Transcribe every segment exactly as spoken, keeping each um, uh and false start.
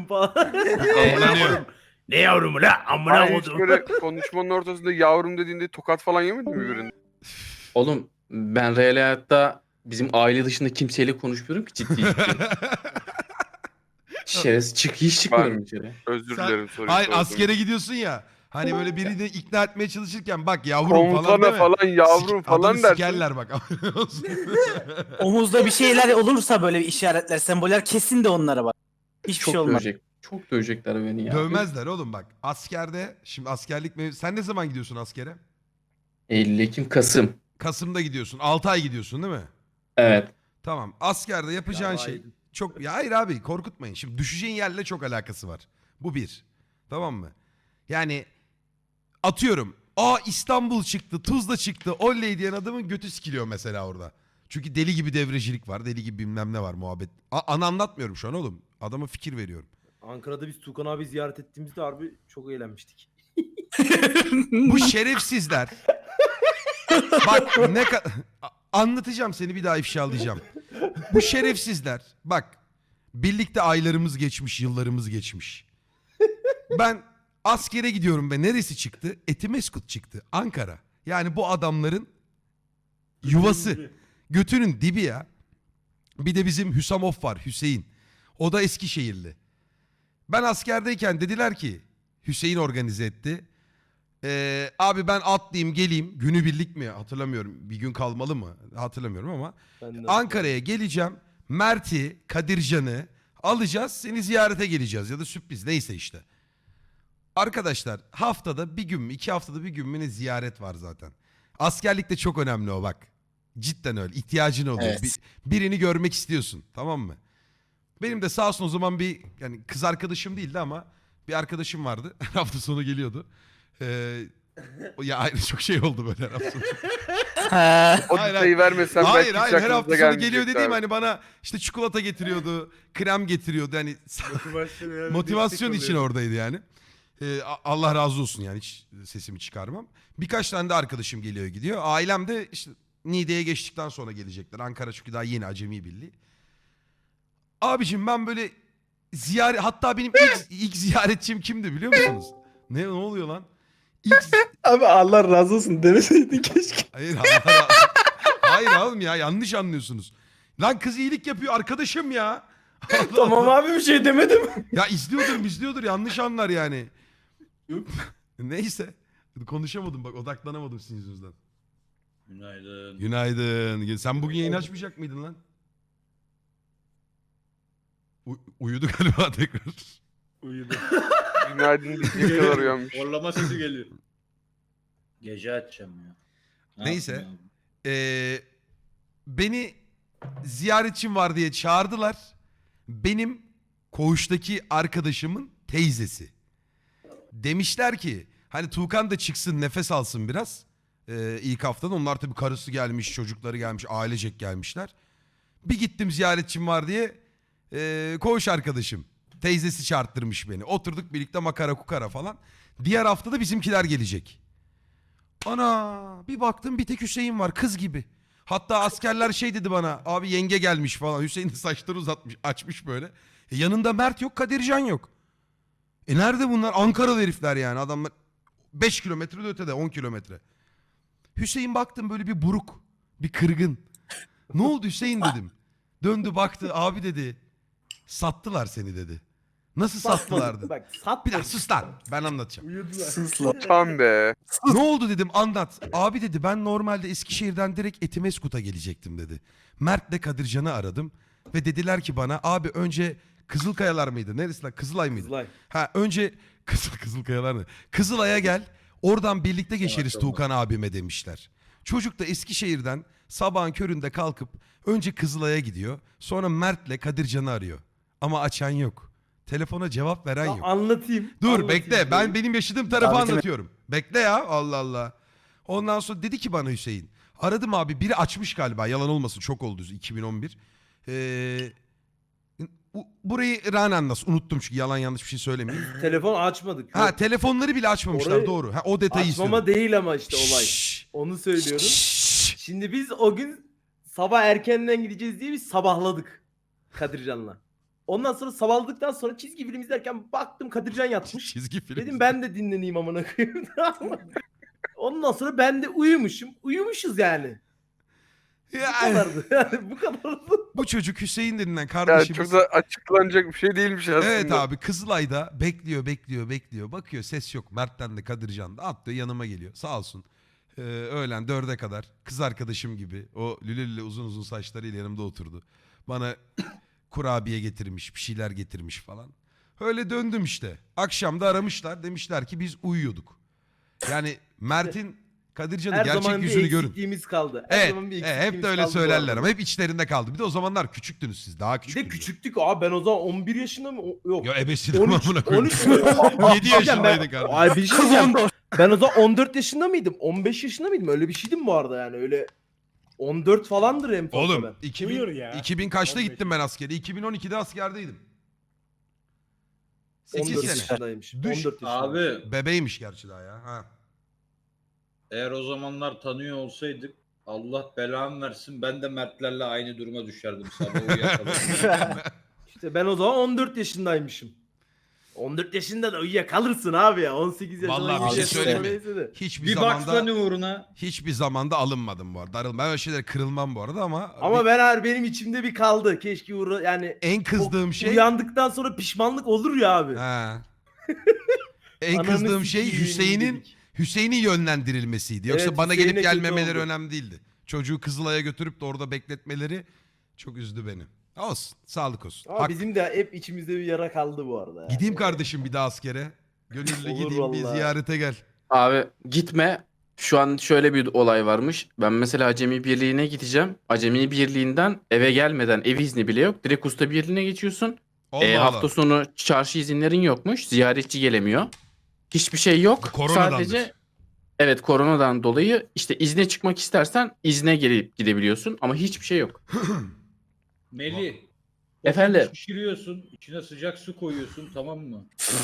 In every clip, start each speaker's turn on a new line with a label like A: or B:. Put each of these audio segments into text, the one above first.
A: falan.
B: Eğleniyor.
A: Ne yavrumu la? Amına
C: Ay hiç
A: koydum.
C: böyle konuşmanın ortasında yavrum dediğinde tokat falan yemedin mi birinde?
D: Oğlum ben real hayatta bizim aile dışında kimseyle konuşmuyorum ki ciddi ciddi. Şerefsiz çık hiç çıkmıyorum içeri.
C: Özür
B: Sen-
C: dilerim soruyu
B: Hayır
C: sordum.
B: askere gidiyorsun ya. Hani böyle birini ikna etmeye çalışırken bak yavrum falan
C: Komutana
B: deme.
C: falan yavrum
B: Sik-
C: falan
B: adamı
C: dersin.
B: sikerler bak.
E: Omuzda bir şeyler olursa böyle işaretler, semboller kesin de onlara bak. Hiçbir
D: Çok
E: şey olmaz.
D: dövecek. Çok dövecekler beni ya.
B: Dövmezler oğlum bak. Askerde şimdi askerlik mev- sen ne zaman gidiyorsun askere?
D: Eylül, Ekim, Kasım.
B: Kasım'da gidiyorsun. altı ay gidiyorsun değil mi?
D: Evet.
B: Tamam. Askerde yapacağın
A: Ya,
B: şey
A: aydın.
B: çok ya hayır abi korkutmayın. Şimdi düşeceğin yerle çok alakası var. Bu bir. Tamam mı? Yani atıyorum. Aa İstanbul çıktı, Tuzla çıktı. Oley diyen adamın götü sikiliyor mesela orada. Çünkü deli gibi devrecilik var. Deli gibi bilmem ne var muhabbet. A- ana anlatmıyorum şu an oğlum. Adama fikir veriyorum.
A: Ankara'da biz Tukan abi ziyaret ettiğimizde harbi çok eğlenmiştik.
B: Bu şerefsizler. Bak ne ka- A- anlatacağım seni bir daha ifşalayacağım. Bu şerefsizler bak birlikte aylarımız geçmiş, yıllarımız geçmiş. Ben askere gidiyorum ve neresi çıktı? Etimeskut çıktı. Ankara. Yani bu adamların yuvası. Götünün dibi ya. Bir de bizim Hüsamov var Hüseyin. O da Eskişehirli. Ben askerdeyken dediler ki Hüseyin organize etti. Ee, abi ben atlayayım geleyim. Günübirlik mi hatırlamıyorum. Bir gün kalmalı mı hatırlamıyorum ama.
A: Ben de-
B: Ankara'ya geleceğim. Mert'i, Kadircan'ı alacağız. Seni ziyarete geleceğiz ya da sürpriz neyse işte. Arkadaşlar haftada bir gün mü iki haftada bir gün mü ne ziyaret var zaten. Askerlikte çok önemli o bak. Cidden öyle ihtiyacın oluyor.
E: Evet.
B: Bir- birini görmek istiyorsun tamam mı? Benim de sağ olsun o zaman bir yani kız arkadaşım değildi ama bir arkadaşım vardı. Her hafta sonu geliyordu. Ee, o- ya ayrı çok şey oldu böyle her hafta sonu.
E: Ha,
C: O
B: Hayır,
C: detayı vermesen
B: Hayır
C: belki
B: hayır
C: hiç
B: her
C: aklınıza
B: hafta sonu
C: gelmeyecekti
B: geliyor dediğim
C: abi.
B: hani bana işte çikolata getiriyordu, krem getiriyordu hani motivasyon için oradaydı yani. Ee, A- Allah razı olsun yani hiç sesimi çıkarmam. Birkaç tane de arkadaşım geliyor gidiyor. Ailem de işte Niğde'ye geçtikten sonra gelecekler. Ankara çünkü daha yeni acemi birliği. Abicim ben böyle ziyaret hatta benim ilk, ilk ziyaretçim kimdi biliyor musunuz? Ne ne oluyor lan? İlk
F: Abi Allah razı olsun demeseydin keşke.
B: Hayır Allah razı- Hayır oğlum ya yanlış anlıyorsunuz. Lan kız iyilik yapıyor arkadaşım ya. Allah
A: Tamam
B: Allah.
A: abi bir şey demedim.
B: Ya izliyordur izliyordur yanlış anlar yani. Neyse. Konuşamadım bak odaklanamadım sizin yüzünüzden.
G: Günaydın.
B: Günaydın. Sen bugün yayın açmayacak mıydın lan? U- uyudu galiba tekrar.
A: Uyudu.
C: Günaydın diyecek kadar uyanmış.
G: Horlama sesi geliyor. Gece açacağım ya. Ne
B: Neyse.
G: yapayım abi?
B: Ee, beni ziyaretçim var diye çağırdılar. Benim koğuştaki arkadaşımın teyzesi. Demişler ki hani Tuğkan da çıksın nefes alsın biraz. Ee, ilk haftada onlar tabii karısı gelmiş, çocukları gelmiş, ailecek gelmişler. Bir gittim ziyaretçim var diye ee, koğuş arkadaşım. Teyzesi çağırttırmış beni. Oturduk birlikte makara kukara falan. Diğer hafta da bizimkiler gelecek. Ana bir baktım bir tek Hüseyin var kız gibi. Hatta askerler şey dedi bana abi yenge gelmiş falan. Hüseyin de saçları uzatmış açmış böyle. E, yanında Mert yok Kadircan yok. E nerede bunlar? Ankaralı herifler yani adamlar beş kilometre de ötede on kilometre. Hüseyin baktım böyle bir buruk bir kırgın. Ne oldu Hüseyin dedim. Döndü baktı abi dedi sattılar seni dedi. Nasıl sattılardı?
A: Bak sat.
B: Bir dakika sus lan ben anlatacağım.
A: Uyudular.
E: sus lan.
C: Tam be.
B: Ne oldu dedim anlat. Abi dedi ben normalde Eskişehir'den direkt Etimeskut'a gelecektim dedi. Mert'le Kadircan'ı aradım. Ve dediler ki bana abi önce Kızılkayalar mıydı? Neresi lan? Kızılay mıydı?
A: Kızılay.
B: Ha önce Kızıl Kızılkayalar mı? Kızılay'a gel. Oradan birlikte geçeriz
G: Maşallah.
B: Tuğkan abime demişler. Çocuk da Eskişehir'den sabahın köründe kalkıp önce Kızılay'a gidiyor. Sonra Mert'le Kadircan'ı arıyor. Ama açan yok. Telefona cevap veren
A: Ya
B: yok.
A: anlatayım.
B: Dur
A: anlatayım
B: bekle ben
A: diyorum.
B: benim yaşadığım tarafı
E: Davetime-
B: anlatıyorum. Bekle ya Allah Allah. Ondan sonra dedi ki bana Hüseyin. Aradım abi biri açmış galiba yalan olmasın çok oldu iki bin on bir. Ee, bu- burayı Ranen nasıl unuttum çünkü yalan yanlış bir şey söylemeyeyim.
A: Telefon açmadık.
B: Ha
A: Yok.
B: telefonları bile açmamışlar
A: Orayı-
B: doğru. Ha, o detayı
A: Açmama
B: istiyorum.
A: değil ama işte olay.
B: Şşş,
A: Onu söylüyorum.
B: şşş.
A: Şimdi biz o gün sabah erkenden gideceğiz diye biz sabahladık Kadircan'la. Ondan sonra sabahladıktan sonra çizgi film izlerken baktım Kadircan yatmış.
B: Çizgi film.
A: Dedim ben de dinleneyim amına koyayım. Ondan sonra ben de uyumuşum. Uyumuşuz yani. Bu
B: Yani,
A: kadardı. Yani bu kadardı.
B: bu çocuk Hüseyin denilen
C: Yani
B: kardeşimiz.
C: çok da açıklanacak bir şey değilmiş aslında.
B: Evet abi Kızılay'da bekliyor bekliyor bekliyor. Bakıyor ses yok. Mert'ten de Kadircan da atlıyor yanıma geliyor. Sağ olsun. Ee, öğlen dörde kadar kız arkadaşım gibi o lüle lüle uzun uzun saçlarıyla yanımda oturdu. Bana kurabiye getirmiş bir şeyler getirmiş falan. Öyle döndüm işte. Akşam da aramışlar demişler ki biz uyuyorduk. Yani Mert'in Kadircan'ın
A: Her
B: gerçek
A: zaman bir
B: yüzünü görün.
A: eksikliğimiz kaldı. Her
B: Evet,
A: zaman bir
B: e,
A: eksikliğimiz
B: hep de öyle
A: kaldı bu
B: söylerler
A: arada.
B: ama hep içlerinde kaldı. Bir de o zamanlar küçüktünüz siz daha
A: Bir
B: küçüktünüz.
A: de küçüktük abi, ben o zaman on bir yaşında mı? O- Yok.
B: Ya ebesini
A: on üç,
B: amına koyayım.
A: on üç,
B: yedi yaşındaydık abi.
A: Ay bir şey diyeceğim. Ben o zaman on dört yaşında mıydım? on beş yaşında mıydım? Öyle bir şeydim bu arada yani öyle. on dört falandır en fazla
B: Oğlum
A: ben.
B: iki bin,
F: Buyur ya.
B: iki bin kaçta
F: on beş.
B: gittim ben askere? iki bin on ikide askerdeydim.
A: on
B: sekiz
A: dört
B: sene.
A: yaşındaymış.
B: Düş.
A: on dört yaşında.
G: Abi
B: Bebeğmiş gerçi daha ya. Ha.
G: eğer o zamanlar tanıyor olsaydık Allah belamı versin ben de Mertlerle aynı duruma düşerdim sabah uyuyakalıp.
A: İşte ben o zaman on dört yaşındaymışım. on dört yaşında da uyuyakalırsın abi ya. on sekiz yaşında.
B: Vallahi bir
A: yirmi
B: şey
A: yaşında
B: söyleyeyim mi?
A: neyse de.
B: Hiçbir
G: bir
B: zamanda
G: baksana uğruna.
B: hiçbir zamanda alınmadım bu arada. Darıl- Ben öyle şeylere kırılmam bu arada ama
A: Ama
B: bir-
A: ben her benim içimde bir kaldı. Keşke uğra yani
B: en kızdığım
A: o
B: şey
A: uyandıktan sonra pişmanlık olur ya abi.
B: ha. En
A: Ananı
B: kızdığım şey
A: sikeyim
B: Hüseyin'in
A: dedik.
B: Hüseyin'in yönlendirilmesiydi. Yoksa
A: Evet,
B: bana
A: Hüseyin'e
B: gelip
A: kötü
B: gelmemeleri
A: oldu.
B: önemli değildi. Çocuğu Kızılay'a götürüp de orada bekletmeleri çok üzdü beni. Olsun. Sağlık olsun.
A: Ama
B: Hak-
A: bizim de hep içimizde bir yara kaldı bu arada. Yani.
B: Gideyim kardeşim bir daha askere. Gönüllü
A: Olur
B: gideyim bir
A: vallahi.
B: ziyarete gel.
D: Abi gitme. Şu an şöyle bir olay varmış. Ben mesela Acemi Birliği'ne gideceğim. Acemi Birliği'nden eve gelmeden ev izni bile yok. Direkt Usta Birliği'ne geçiyorsun.
B: Allah
D: Ee,
B: Allah.
D: hafta sonu çarşı izinlerin yokmuş. Ziyaretçi gelemiyor. Hiçbir şey yok.
B: Koronadandır.
D: Sadece evet koronadan dolayı işte izne çıkmak istersen izne gelip gidebiliyorsun ama hiçbir şey yok.
G: Melih.
D: Efendim?
G: otunu Şişiriyorsun, içine sıcak su koyuyorsun, tamam mı?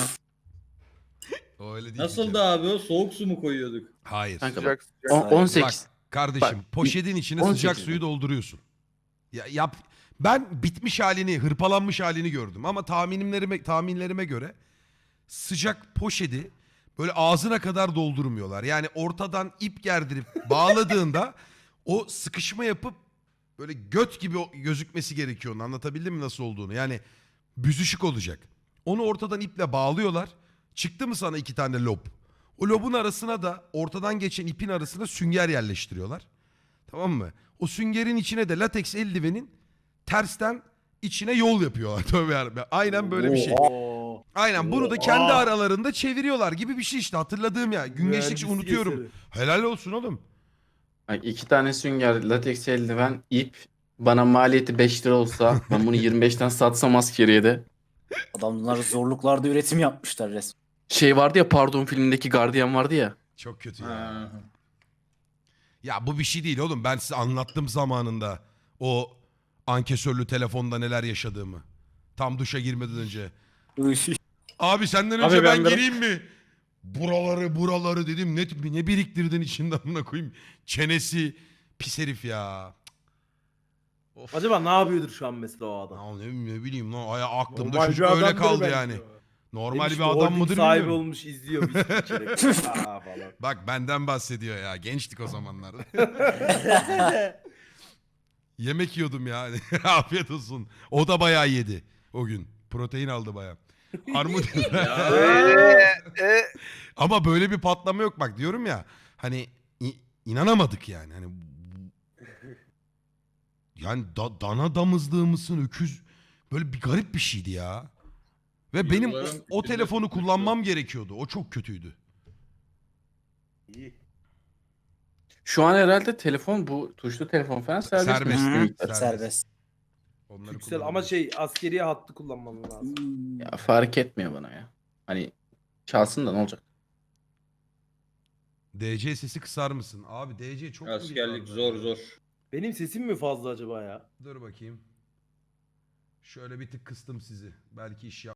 B: O öyle değil.
G: Nasıl da abi o soğuk su mu koyuyorduk?
B: Hayır.
D: Kanka
C: Sıcak sıcak.
D: On- on sekiz.
B: Bak kardeşim
D: Bak,
B: poşetin içine
D: on
B: sıcak
D: sekiz
B: suyu dolduruyorsun. Ya, yap. Ben bitmiş halini, hırpalanmış halini gördüm ama tahminlerime tahminlerime göre sıcak poşeti böyle ağzına kadar doldurmuyorlar. Yani ortadan ip gerdirip bağladığında o sıkışma yapıp böyle göt gibi o- gözükmesi gerekiyor. Onu anlatabildim mi nasıl olduğunu? Yani büzüşük olacak. Onu ortadan iple bağlıyorlar. Çıktı mı sana iki tane lob? O lobun arasına da ortadan geçen ipin arasına sünger yerleştiriyorlar. Tamam mı? O süngerin içine de lateks eldivenin tersten içine yol yapıyorlar. Tövbe yarabbim. Aynen böyle bir şey.
A: Oo.
B: Aynen bunu da kendi
A: Oha.
B: aralarında çeviriyorlar gibi bir şey işte hatırladığım ya. Gün geçtikçe
A: Mühendislik
B: unutuyorum.
A: eseri.
B: Helal olsun oğlum.
D: Bak, iki tane sünger, lateks eldiven, ip bana maliyeti beş lira olsa ben bunu yirmi beşten satsam askeriye de.
E: Adamlar zorluklarda üretim yapmışlar resmen.
D: Şey vardı ya Pardon filmindeki gardiyan vardı ya.
B: Çok kötü ya.
G: Ha.
B: Ya bu bir şey değil oğlum. Ben size anlattım zamanında o ankesörlü telefonda neler yaşadığımı. Tam duşa girmeden önce. Abi senden önce
F: Abi
B: ben,
F: ben de-
B: gireyim mi? Buraları buraları dedim. Ne, ne biriktirdin içinden amına koyayım. Çenesi pis herif ya. Of.
A: Acaba ne yapıyordur şu an mesela o adam?
B: Ya ne, ne bileyim lan. Aya aklımda
A: Normal
B: çocuk
A: bir
B: öyle
A: adamdır
B: kaldı
A: belki
B: yani.
A: o.
B: Normal
A: Demiş
B: bir
A: ki,
B: adam
A: holding
B: mıdır
A: sahibi
B: bilmiyorum.
A: olmuş izliyor viski içerek. Aa, falan.
B: Bak benden bahsediyor ya. Gençtik o zamanlar. Yemek yiyordum ya. Afiyet olsun. O da bayağı yedi o gün. Protein aldı bayağı. Armut.
C: Eee, e,
B: Ama böyle bir patlama yok bak diyorum ya. Hani i- inanamadık yani. Hani yani da, dana damızlığı mısın öküz böyle bir garip bir şeydi ya. Ve benim o,
G: Yılların
B: o
G: içinde
B: telefonu
G: tutmuştu.
B: kullanmam gerekiyordu. O çok kötüydü.
A: İyi.
D: Şu an herhalde telefon bu tuşlu telefon falan serbest.
B: Serbest.
D: mi?
E: Hı,
B: Serbest.
E: serbest.
B: Onları
A: Yüksel ama
B: kullanamıyorum.
A: şey askeriye hattı kullanmam lazım.
E: Hmm.
D: Ya fark etmiyor bana ya. Hani çalsın da ne olacak?
B: D C sesi kısar mısın? Abi D C çok mu
G: Askerlik
B: gitardı?
G: zor zor.
A: Benim sesim mi fazla acaba ya?
B: Dur bakayım. Şöyle bir tık kıstım sizi. Belki iş yap.